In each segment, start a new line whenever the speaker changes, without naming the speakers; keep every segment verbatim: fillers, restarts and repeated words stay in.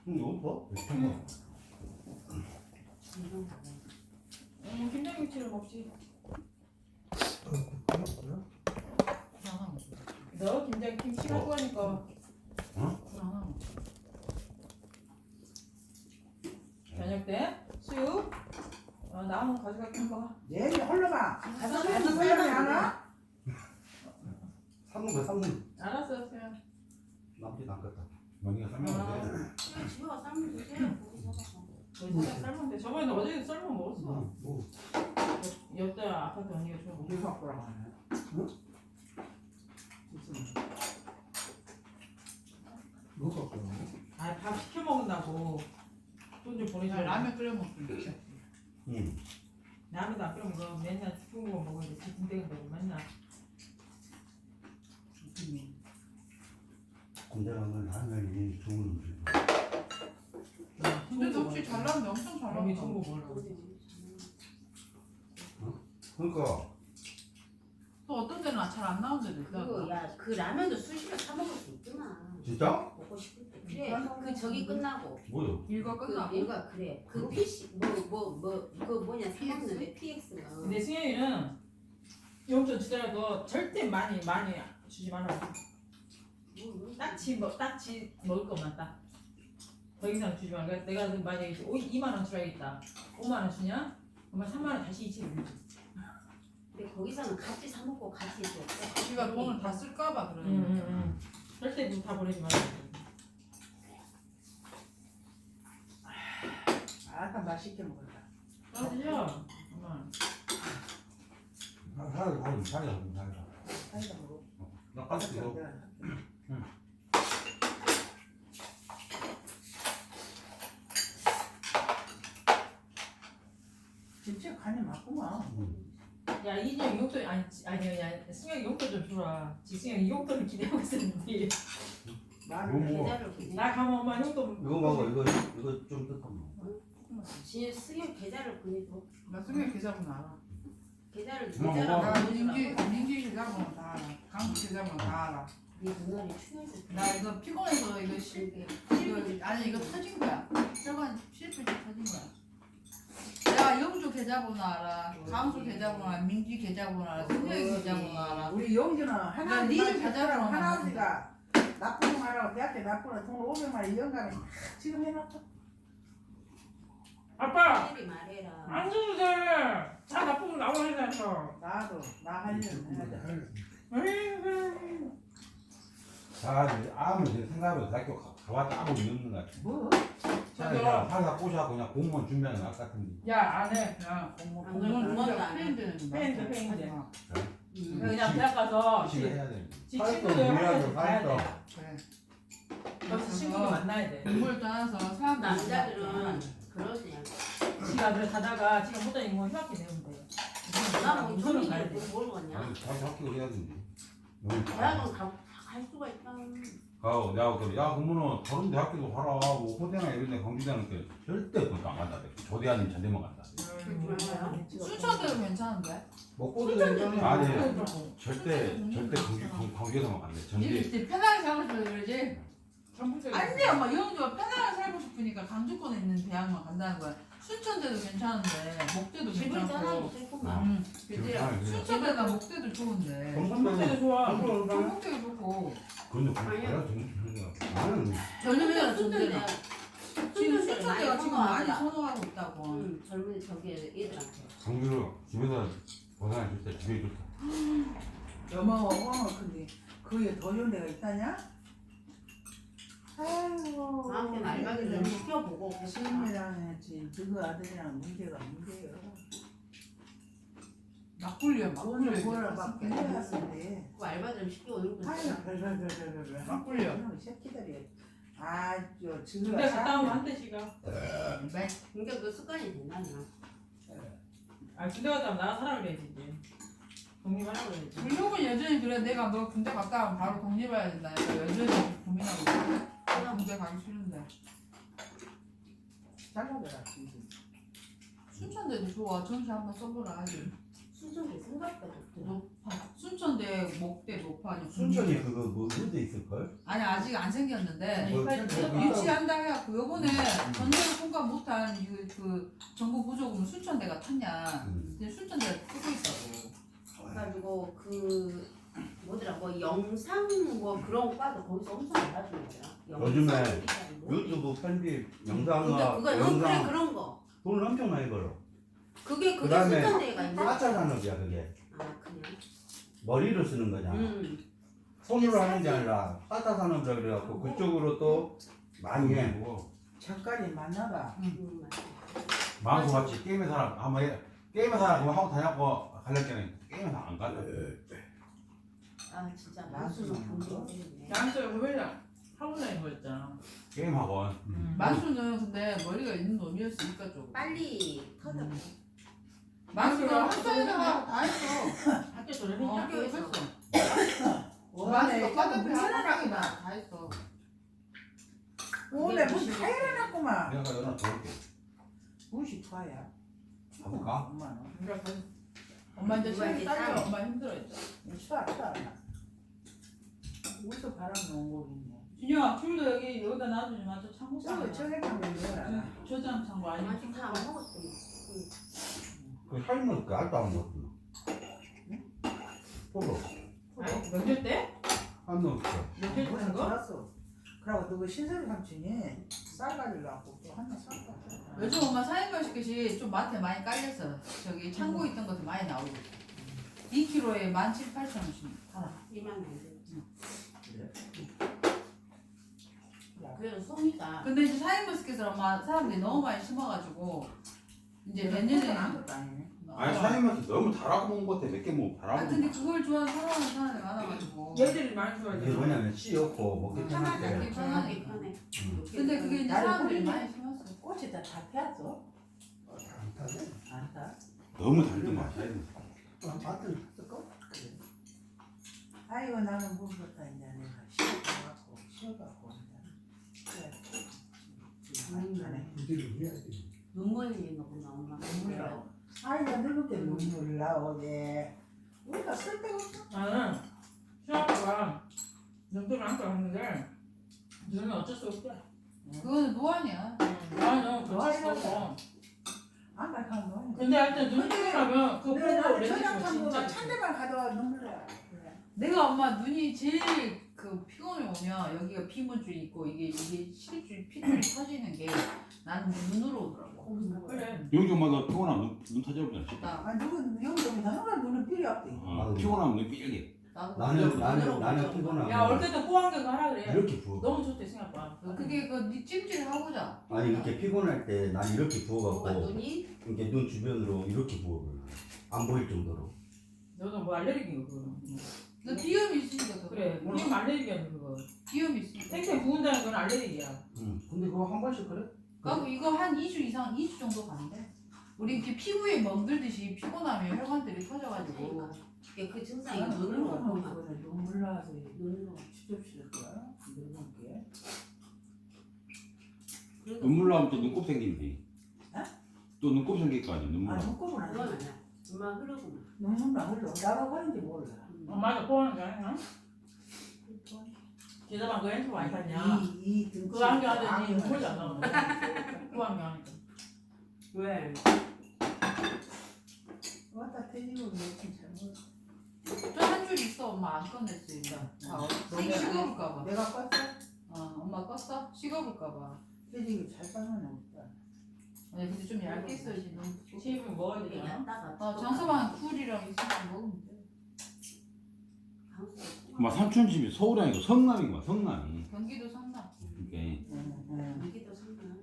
응, 이거 봐.
음, 김장김치를 먹지. 너 김장김치 갖고 가니까.
어?
저녁 때 수육. 어, 나 한번 가져갈게 한번.
얘기 흘러봐.
가서
무슨 소리 하나?
삶는 거야, 삶는.
알았어, 그냥.
남지 남겠다. 명이가 삶는 돼.
집에 가서 삶으면 되지. 거기 사서.
거기 살짝 삶으면 돼. 저번에 어제 삶아 먹었어.
뭐, 뭐.
옆에 아파트 언니가 좀
우리 갖고라고 하네.
응?
뭐 갖고?
아, 밥 시켜 먹는다고. 돈 좀 보내줘.
라면 끓여 먹으면 돼.
응.
라면도 안 끓여 먹어. 맨날 스푼 먹어 먹는데 지근대근대고 맨날.
군대 가면 라면이 좋은 음식.
근데 너 혹시 잘 나오는데 엄청 잘
몸이
나온다.
좋은 거 먹으려고.
그러니까
또 어떤 데는 잘 안 나온 데도 있다.
그거 야그 라면도 수시로 사 먹을 수 있구나.
진짜?
먹고 싶을 때. 그래. 그 저기 끝나고.
뭐요?
일과
그
끝나고.
얘가 그래. 그 피씨 뭐뭐뭐그 뭐냐 사 먹는데 피엑스가.
근데 승현이는 용돈 주더라도 절대 많이 많이 주지 말라고. 딱지 뭐 딱지 먹을 것만 딱. 더 이상 주지 말고 내가 만약에 이만 원 주라겠다. 오만 원 주냐? 그러면 삼만 원 다시 이체를 주지.
근데 거기서는 같이 사 먹고 같이 줘.
우리가 돈을 다 쓸까봐 그러는
응,
거야.
응, 응. 절대 돈 다 보내지 말라고.
아까 맛있게 먹었다.
떨어지죠? 엄마.
살이 살이 살이 살이 살이.
사이다 먹어.
나 가스 이거.
진짜 간이 맞구만.
야 이진영 용돈 아니 아니야 야 승현이 용돈 좀 주라. 지승현이 용돈을 기대하고 있었는데
마늘.
뭐.
계좌를 보내.
나 가면 엄마 용돈.
이거 먹어. 이거 이거 좀 뜯어.
진 승현 계좌를 보내줘.
나 승현 계좌번호 알아.
계좌를
엄마,
계좌를
엄마.
나
보내주라고.
민기 민기 계좌번호 다 알아. 강수 계좌번호 다 알아.
네 누나를 추해서.
나 이거 피곤해서 이거 실 이거 아니 이거 터진 거야. 혈관 실핏이 터진 거야. 내가 영주 계좌번호 알아. 강수 계좌번호 알아. 민기 계좌번호 알아. 승현 계좌번호 알아.
우리 용기는 하나
니들
니들
가자라고
가자라고 하나지가 납부금 하라고 대학교 납부는 돈 오백만 원 연간에 지금 해놨어.
아빠
빨리 말해라.
안 줘도 돼. 다 나쁘면 나와 해서.
나도 나 하려면 해야 돼.
자, 아무 생각으로 대학교 가- 가봤다 아무 의미 없는 것 같아.
뭐?
차라리 그냥 회사 꼬셔 그냥 공무원 준비하는 것 같은데.
야 안 해.
야 공무
안
공무원
그러면
진짜
안 해.
페인되는
페인돼, 페인돼.
음.
그냥 대학 가서
지금 해야 돼.
지
사회성
친구들
우리하고
학교 가야
사회성.
돼.
그래.
거기서 친구들 만나야 돼.
공부를 떠나서 사람
남자들은 그러지.
지가 그래 가다가 지가 못 다니고 휴학기 내면 돼.
나뭐
우선은
돈이
가야 돼.
뭘 거냐?
아니, 자기 학교 해야 되는데. 너무
대학은 가, 갈 수가 있다.
가, 내가 그래. 야, 그러면은 다른 대학교도 가라. 뭐 호대나 이런 데 경기대는 게 절대 그것도 안 간다. 조대 아니면 전대만 간다.
순천대도 괜찮은데?
먹고도
괜찮아.
아니,
음.
절대 절대 경기 경- 경기도만 간대.
니들
전대.
진짜 편하게 살고 싶어 그러지?
전북대.
아니 엄마 영주가 편하게 살고 싶으니까 강주권에 있는 대학만 간다는 거야. 순천대도 괜찮은데 목대도
집을 떠나기
괜찮고.
싫구만.
응.
지금
그치?
상황이 그래.
순천대나 목대도 좋은데.
전북대도 좋아.
전북대도 좋고.
근데 그거 내가 좀 나는
젊은이가
순천대
좋은데. 지금
순천대
순천대가 지금 많이
선호한다.
선호하고 있다고.
응, 젊은 저기 애들한테.
강주로 집에서 보상해 줄 때 집에 좋다.
여마와 호황을 근데 거기에 더 좋은 데가 있다냐? 아이고.
나한테는 알바기 좀 시켜보고 그랬다.
시임이랑 했지. 그거 아들이랑 문제가 문제예요.
막걸리야
돈을
막걸리.
벌어 막 빼앗는데.
그 알바 좀 시켜오는 거지.
아유 별별별별별.
막걸리야.
이 새끼들이 아저
군대
지금
갔다 오면 한 대씩가.
그러니까 그 습관이 된다냐.
아 군대 갔다 오면 나 살아그래야지 이제. 독립하라고 해야지.
블록은 여전히 그래. 내가 너 군대 갔다 오면 바로 독립해야 된다. 그러니까 여전히 고민하고 있어. 나 군대 가기 싫은데.
잘라줘라 진짜.
순천대도 좋아. 전시 한번 써보라 하지.
수준이 생각보다 높더라.
높아. 순천대 목대 높아. 아니,
순천이 그거 뭐 어디 있을걸?
아니 아직 안 생겼는데
뭐,
빨리
뭐,
뭐,
유치한다 해갖고 요번에 전세를 통과 못한 그, 그 정부 보조금 순천대가 탔냐.
음.
근데 순천대가 뜨고 있다고.
그래가지고 그 뭐더라 뭐 영상 뭐 그런 과도 거기서 엄청 알아주는 거야.
요즘에
영상 기사는 뭐?
유튜브 편집
근데
영상과
그거 응, 그래
영상
그런 거.
돈을 엄청 많이 벌어.
그게 그게
그다음에
순천대가 있는. 아
사차 산업이야 그게.
그냥.
머리를 쓰는 거잖아.
음.
손으로 하는 게 아니라 사차 산업이라 그래갖고 그쪽으로 또 많이 해.
뭐
잠깐이 만나봐.
음, 맞아.
만수같이 게임의 사람 한번 해. 게임의 사람 그거 하고 다녔고 갈렸잖아요. 게임의 사람 안 갈려.
아 진짜 만수는 본게 없네.
나한테 왜냐 하고 다니는 거 있잖아.
게임 학원.
음.
만수는 근데 머리가 있는 놈이었으니까 좀.
빨리 터져.
음. 만수가
학교에서
학교에다가 다 했어.
학교 졸업했냐?
어,
학교에서.
했어.
원래
만수가 과대표
문제는
학교에다 다 했어.
원래 문다 해놨구만.
내가 연락 줘볼게.
무시 좋아야.
가볼까?
엄마는.
그래, 그- 엄마 이제
누가
시험
이제
따려
땀.
엄마 힘들어했죠.
추워 추워. 우리도 바람 넣은 거겠네.
준영아 귤도 여기 여기다 놔두지 마. 저 창고
저거
봐.
저기 가면 이거라.
저장 창고 아니야?
아직 다안 먹었대.
그 삶은 그 알도 안 먹었나? 포도
아니 명절 때?
안 넣었어.
명절 때 산 거?
알았어. 그러고 누구 신선 삼촌이 쌀 가지려고 또 하나 샀다.
요즘 엄마 사인마스켓이 좀 마트에 많이 깔렸어. 저기 창고 있던 것도 많이 나오고. 이 킬로그램에 만 칠, 팔천 원씩 하나.
이만 원.
그래?
그래도 송이가
근데 이제 사인마스켓을 엄마 사람들이 너무 많이 심어가지고 이제
내가
내년에
안 것도 아니네.
아니 사장님한테 너무 달아고 먹은 것 같아. 몇 개 먹고 달아고
아
먹은
근데
거.
그걸 좋아하는 사랑하는 사람이 많아가지고.
얘들이 많이 좋아해.
이게 뭐냐면 씨였고 먹기 편할
편하게
때.
편하게 편해.
음.
근데 그게 이제
나를
사람들이
보기는-
많이 심었어.
꽃이 다 다 피었어?
안 타네.
안 타?
너무 달지 마. 사장님.
밭을 탔을까?
그래. 아이고 나는 모르겠다 이제 내가 쉬어갖고 쉬어갖고 이제. 그래. 안에
부지를 해야지.
눈물 흘리는 거구나 엄마.
눈물 나오. 아이가 늙을 때 눈물 나오게. 우리가 쓸데가 없어.
나는 시아빠가 눈도를 안고 왔는데 눈은 어쩔 수 없대.
그거는 노안이야.
나는 어쩔 수 없어.
안 가면 뭐.
근데 하여튼 눈 뜨고 나면 그거
근데
보고
나는
레지고
저녁탐보다
진짜
찬데만 가져와 눈물 나. 그래.
내가 엄마 눈이 제일 그 피곤해 오면 여기가 피문줄이 있고 이게 이게 실줄 피줄이 터지는 게 나는 눈으로 오더라고.
그래.
영주 엄마가 피곤하면 눈, 눈 터져버리잖아.
나
아 누구 영점이 다는 눈은 필요 없대.
어, 피곤하면 눈 삐게.
나도
나는 나는 나는
야
피곤하고
올 때도 꼬안경 하라 그래.
이렇게 부어.
너무 좋대 생각봐.
그게 그네 찜질 하고자.
아니 이렇게 피곤할 때 난 이렇게
뭐가
부어갖고
눈이
이렇게 눈 주변으로 이렇게 부어버려. 안 보일 정도로.
너는 뭐 알레르기야 그거.
너 비염이 있으니까 더
그래.
그래.
비염 알레르기야 그거.
비염이 있으니까.
탱탱 부은다는 건 알레르기야.
응. 근데 그거 한 번씩 그래?
그리고 이거 한 이 주 이상 이 주 정도 가는데 우리 이렇게 피부에 멍들듯이 피곤하면 혈관들이 터져가지고
그러니까 이게 그 증상이
나는
눈으로
눈물 나서
오구나.
그래. 눈물 나서
눈으로.
추접시킬 거야. 늙은 게.
그래도
눈물 나면 또 눈곱 생긴대.
어?
또 눈곱 생길 거 아니야 눈물
아
나.
눈곱은 안
그건
돼.
아니야. 엄마 흐르구나.
눈물 안 흘러. 나가 버린지 몰라.
음.
어, 맞아 꼬아는 거 아니야? 기자방 그 핸드폰 많이 샀냐?
이이 등치.
그거 안경 하더니 눈물이 안 나오네. 그거 안경 하니까.
왜?
왔다 태지고 며칠 잘못.
저 한 줄 있어. 엄마 안 꺼냈어 일단. 아, 생 식어볼까봐.
내가 껐어?
어, 엄마 껐어? 식어볼까봐.
태지고 잘 까면 없다.
아니 근데 좀 얇게 써야지 너무.
칩은 먹어야
이게
되잖아.
얇다가.
어 장서방 쿨이랑 있으면 먹으면 돼.
막 삼촌 집이 서울이 아니고 성남인가 성남이.
경기도 성남.
이게
응, 응.
여기도 상관.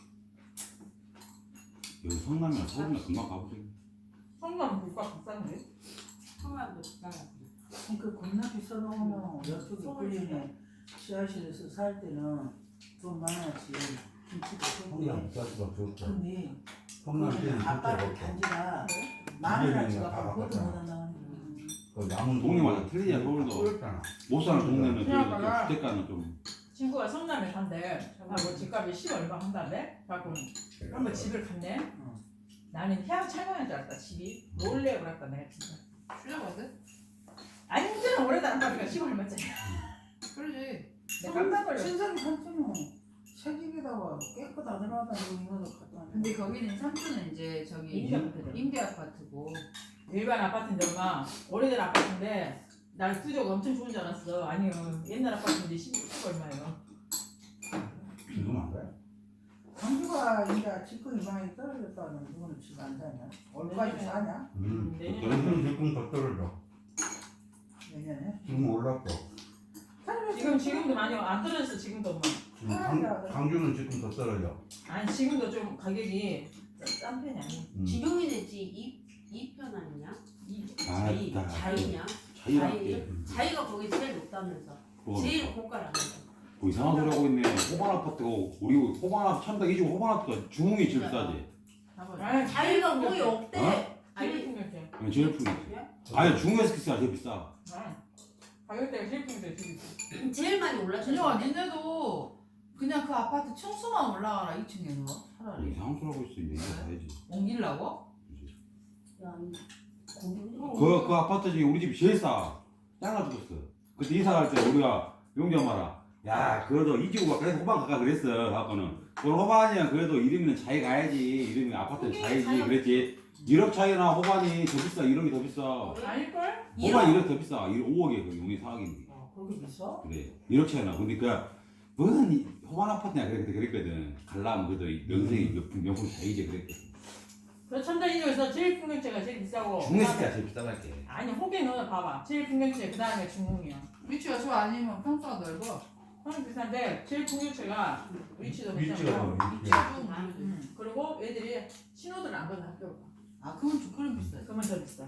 여기 성남이나 서울이나 금방 가보세요.
성남 물가 비싼데?
성함도 비싸고.
그 겁나 비싸도 옆쪽에 끌리네. 지하실에서 살 때는 돈 많았지. 김치도
성남
좋고.
자수가 좋고
근데
성남 씨는 진짜
아빠는
먹고
단지가
이재명이가
마누라지가
다
그것도
바꿨잖아.
못한다는
그 남은
동네마다 틀리냐, 서울도.
그렇잖아.
못 사는 동네는 그래도 좀
생각보다-
주택가는 좀.
친구가 성남에 산대. 하고 집값이 십 얼마 한다며? 갖고 한번 집을 갔네.
응.
나는 향 찰만한 줄 알았다 집이. 놀래 그랬다 내가 진짜.
출려거든?
완전 오래된 아파트가 십 얼마짜리.
그러지.
내가 깜짝 놀랐어.
신선 삼촌은 새집에 거기다가 깨끗 안 들어가다 이거는 갖다 놔.
근데 거기는 삼촌은 이제 저기
임대 아파트래.
임대 아파트고
일반 아파트인데 엄마 오래된 아파트인데 난 구조가 엄청 좋은 줄 알았어. 아니요 옛날 아파트인데 십육 얼마예요.
지금 안 돼?
광주가 이제 집권이 많이 떨어졌다는 그거는 지금 안 사냐? 얼마까지
내년에.
사냐?
음.
내년에.
너는 지금 더 떨어져.
내년에?
지금 올랐어.
지금 지금도 많이 안 떨어졌어 지금도 엄마.
지금 강, 강주는 지금 더 떨어져.
아니 지금도 좀 가격이 싼 편이 아니야.
음.
지금이네 이이편 아니냐?
이
아,
자이
나-
자이냐?
자유롭게.
자이가 거기 제일 높다면서.
그거
제일 고가라면서.
뭐 이상한 소리 하고 있네. 호반 아파트고 우리 호반 아파트 천다 이주고 호반 아파트가 중흥이 제일 싸지.
아니
자이가 거의 없대.
어?
제일
아니
풍경채.
아니 제일 풍이지. 아니 중흥에서 키스가 제일 비싸.
아, 가격대가 제일 풍경채 제일 비싸.
제일 많이 올랐잖아.
진영아 니네도 그냥 그 아파트 층수만 올라가라 이 층에 누워
뭐
차라리
이상한 소리 하고 있어. 이제 이거 봐야지.
옮기려고?
야, 거기
그, 그 아파트 중에 우리 집이 제일 싸. 잘라 죽었어. 그때 이사 갈 때 우리가 용자 말아. 야, 그래도 이지구가 그래서 호반 가까 그랬어. 갖고는. 그 호반이야 그래도 이름이는 자기 가야지. 이름이 아파트는 자이지. 그랬지. 일억 차이나 호반이 더 비싸. 일억이 더 비싸.
아닐걸?
호반 일억 더 비싸. 오억에 그 용이 사억인데.
어, 거기 비싸?
그래. 일억 차이나. 근데 그 너는 이 호반 아파트냐 그래 그때 그랬거든. 갈라면 그래도 명색이 명품 명품 자이지 그랬거든.
그 천자인조에서 제일 풍경채가 제일 비싸고.
중에서 제일 비싸갈게.
아니 호기는 봐봐. 제일 풍경채 그 다음에 중흥이야.
위치가 좋아 아니면 평수가 넓어?
그건 비싼데 제일 풍경채가 위치도
위치가
괜찮고.
뭐
위치가 좀
아,
음. 그리고 애들이 신호들 안 건너 학교로 가.
아 그건 좀 그럼 비싸
그러면 더 비싸.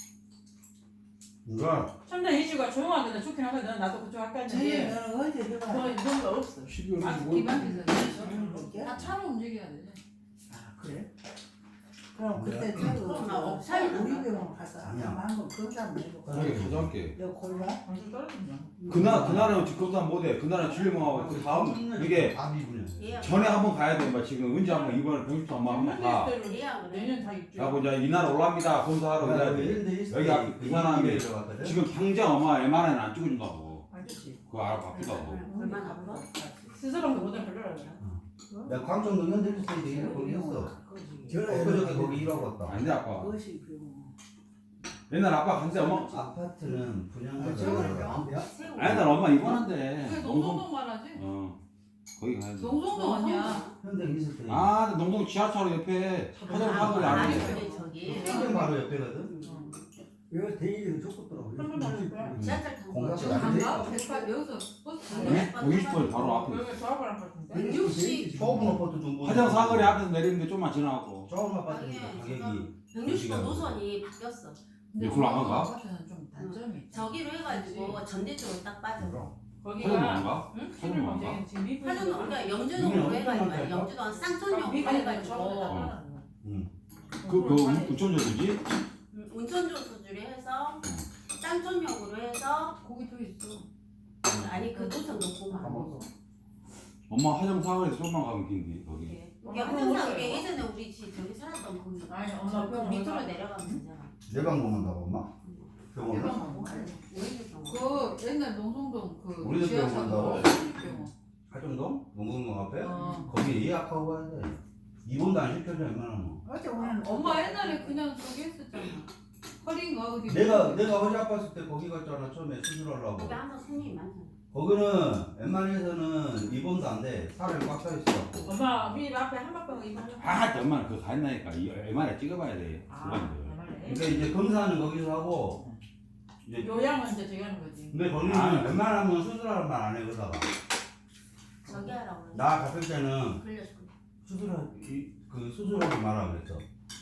그러니까
천자 이주가 조용한 데는 좋긴 하거든. 나도 그쪽 학교
제일
갔는데
너는 언제 들어가?
뭐 이런 거 없어.
십이월
아 기반 비싸 다 차로 움직여야 되지
아 그래? 그럼 그때 차도
그럼 나 업사에
우리
나가.
병원 가서
아니야.
한번 검사 내고
저기 가져갈게.
너 골라?
방금 떨어진다.
그날 그날은 그것도 못해. 그날은 줄리멍하고 그 다음 이게
얘야.
전에 한번 가야 돼. 막 지금 언제 한번 이번에 보십시오 한번 한번 가.
얘야 그래.
내년 다 입주.
하고 이제 이날 올랍니다. 검사하러 가야 돼. 여기 앞에 그 사람이 지금 당장 엄마 엠알아이는 안 찍어준다고.
안 좋지.
그거 알아 바쁘다고.
얼마나 아파?
스스로도 못해 별로라 그래.
야 광천 농협 스테이지 일 거기 있어. 엊그저께 거기 일하고 왔다.
아닌데 아빠.
그것이 병원.
옛날 아빠 간데 엄마.
아파트는 분양가
저거요?
새우.
아니 날 엄마 입원한대.
그게 농성동 말하지?
어. 거기 가야 돼.
농성동 아니야
현대 있을 때.
아, 근데 농동 지하철 옆에 화장 사거리
아니
안에.
저기 저기.
현대 바로 옆에거든.
이거 대리를 줬더라고.
한번 나눌까?
지하철 타고
공각지
가자.
안 돼?
안 가? 백팔 여기서 버스 타고
네? 오십 분 바로 앞에.
여기 조합을 한 같은데.
백육십.
좁은 아파트 중고.
화장 사거리 앞에서 내리는데 좀만 지나고.
좁은 아파트니까
아니,
가격이.
백육십 번 노선이 바뀌었어.
근데
이걸로 안 가?
아파트는 좀 단점이 있다
저기로 해가지고 전대 쪽으로 딱 빠져.
화장
거기가
뭔가?
응?
신을 검증 지금 미분.
하는 그러니까 영주동으로 해가지고 영주동 쌍촌역으로 해가지고
그, 그, 우천전 뭐지?
음, 운천조 수주를 해서 쌍촌역으로 해서
거기 또 있어
아니 그 노선 놓고 가.
엄마 화장 사거리에서 좀만 가면 긴데, 거기.
이게 항상 이게 예전에 우리 집 저기 살았던 거기.
아니 엄마
그 밑으로 내려가면 되잖아.
내방 먹는다고 엄마? 병원.
내방 그 옛날 농성동 그
우리도
지하차도
병원
병원
하정동? 농구동 앞에?
어.
거기 예약하고 가야 돼. 입원도 안 시켜줘 얼마나.
어제 우리는
엄마 옛날에 그냥 저기 했었잖아 허리인가 어디
내가 내가 허리 아팠을 때 거기 갔잖아 처음에 수술하려고.
거기 항상 손님이 많잖아.
거기는 웬만해서는 입원도 안 돼. 사람이 꽉 차 있어갖고.
엄마 우리 집 앞에 한박병 입원해.
아, 엄마는 그거 가있나니까. 엠알아이 찍어봐야 돼.
아,
그건데.
정말래?
그러니까 이제 검사는 거기서 하고 이제
요양은 이제 저기 하는 거지.
근데 거기는
아.
웬만하면 수술하는 말 안 해 그러다가
저기 하라고 그래.
나 갔을 때는
걸려서.
수술하 이- 그 수술하지 마라 그랬어.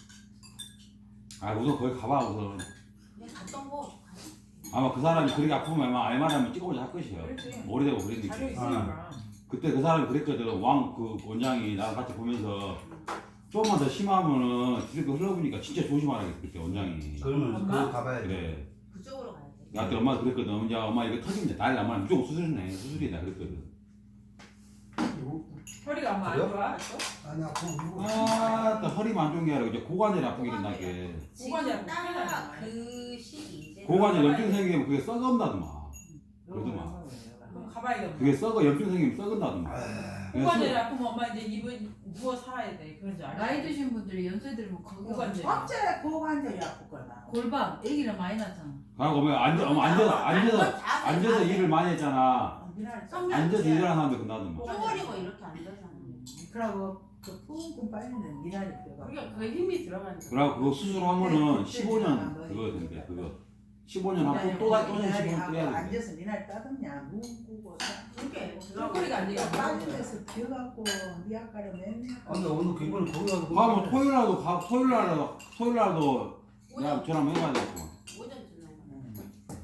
아, 우선 거기 가봐, 우선.
내가 갔던 거.
아마 그 사람이 그렇게 아프면 아마 엠알아이만 찍어보자 할 것이야.
그렇지.
오래되고 그랬니까.
자료 있으니까.
그때 그 사람이 그랬거든. 왕 그 원장이 나랑 같이 보면서 조금만 더 심하면은 뒤로 흘러보니까 진짜 조심하라겠어 그때 원장이.
그러면
엄마?
그거 가봐야 돼.
그래.
그쪽으로 가야 돼.
나한테 엄마가 그랬거든. 야 엄마 이거 터지면 난리 나면 무조건 수술이네. 수술이다 그랬거든.
허리가 엄마 안
그래요?
좋아?
아니 아파.
아, 또 허리만 안 좋은 게 아니라 이제 고관절이 아프게 된다게.
고관이
지금
아프구나.
딱그 시기 이제.
고관절 염증 생기면 그게 썩은다더만. 그러더만.
그럼 가봐야겠다.
그게 썩어 염증 생기면 썩은다더만.
아,
고관절이 아프면 엄마 이제 입은 누워 살아야 돼. 그런 줄 알아?
나이 드신 분들이 연세 들면 거기
고관절.
어째 고관절이 아프거나.
골반 애기를 많이 낳잖아.
그리고 뭐 앉아, 어머, 앉아서, 앉아서, 앉아서 일을 많이 했잖아. 앉아서 일하는 사람들 끝나더만.
쪼그리고 이렇게 앉아서.
그러고 그 뿜뿜 빠지는 미나리 뼈가.
그러니까 그 힘이 들어가는 거야.
그리고 그거 수술하면은 십오 년 그거 된대, 그거. 십오 년 하고 또 다, 또는 십오 년 또 해야 된대.
앉아서 미나리 따듬냐 무고
그게
쪼그리가 안 되게
빠진 데서 펴갖고 미약가를 맨날.
아, 근데 오늘 그거는 거기 가서.
가면 토요일 날도 가, 토요일 날도, 토요일 날도 내가 전화 한번 해봐야 되겠구만.
오전 전화.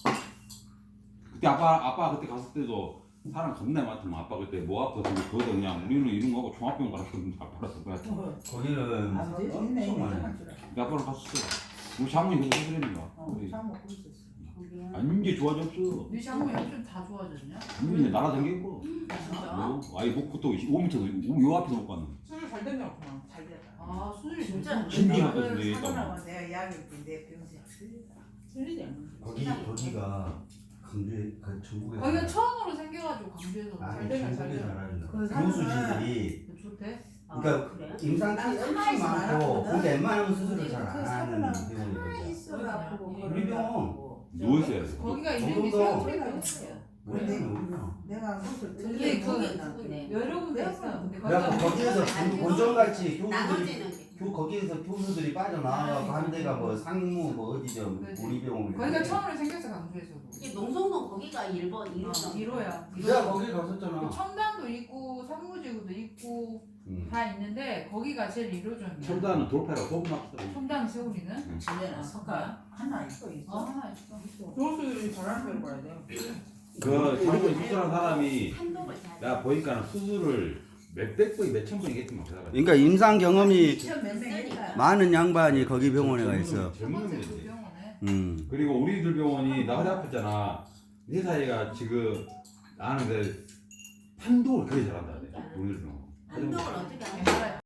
그때 아빠, 아빠 그때 갔을 때도 사람 겁나 많더만. 아빠 그때 뭐 아파서 거기다 그냥 우리는 이런 거 하고 종합병원 가라 그러는데 아빠라서 그냥
거기는
아버지
엄청
있네
많이.
내 아빠랑 갔었어. 우리 장모님 그거 해드리는 거야.
어,
우리.
참 먹고 있었어.
거기야.
아니 이제 좋아졌어.
네 장모님 요즘 다 좋아졌냐?
이제 날아다니고.
진짜?
뭐, 아이 목부터 오 미터도 요 앞에서 못 갔는.
수술 잘 됐나 보구나. 잘 됐다.
아 수술이
진짜?
신기
그
같거든 내
사람하고 내가 이야기했지 내 병세 틀리다.
틀리지 않아.
거기 거기가 강주에 그 전국에.
거기가 처음으로 생겨가지고 광주에서
아니
잘 되면 잘
전국에
되면.
잘하는
그
교수진들이
좋대.
아,
그러니까
그래?
임상
나
케이스
가만히 있어
많고
알았거든.
근데 웬만하면 수술을
그
잘 안 하는
사람은
병원이거든.
가만히 있어 아프고
우리 병원.
누워 있어야 돼.
거기가
정도도-
이름이 세우리병원이야.
근데
모르겠어.
내가 그것을
근데
들리는
그-
거는
여러 군데 있어. 근데
그래갖고
거기가
거기에서 본전같이 교수들이
나눠지는 게.
교 거기에서 교수들이 빠져나와서 한 데가 뭐 상무 뭐 어디죠
그렇지.
우리 병원.
거기가 처음으로 생겼어 광주에서도.
이게 농성동 거기가 일 번, 일
어,
번.
일 호야.
내가 거기 갔었잖아.
청담도 있고 산무지구도 있고
응.
다 있는데 거기가 제일 일 호점이야.
첨단은 돌파라고 소금 막히더라고.
청담 세우리는?
집에는
아,
석가 하나 있어 있어.
어 하나 있어.
조수들이 잘하는 걸 봐야 돼.
그 장모님 수술한 사람이
한동을 잘.
내가 보니까 수술을 몇백 번이 몇천 번이 했더만 그 사람.
그러니까 임상 경험이
몇명 했다.
많은 양반이 거기 병원에 가 있어.
첫
젊은
번째 그
놈이지.
병원에.
음.
그리고 우리들 병원이 나 허리 아팠잖아. 네 사이가 지금 나는 그 판독을 그게 잘한다. 우리들 병원.
한동을 어떻게 하는
옛날에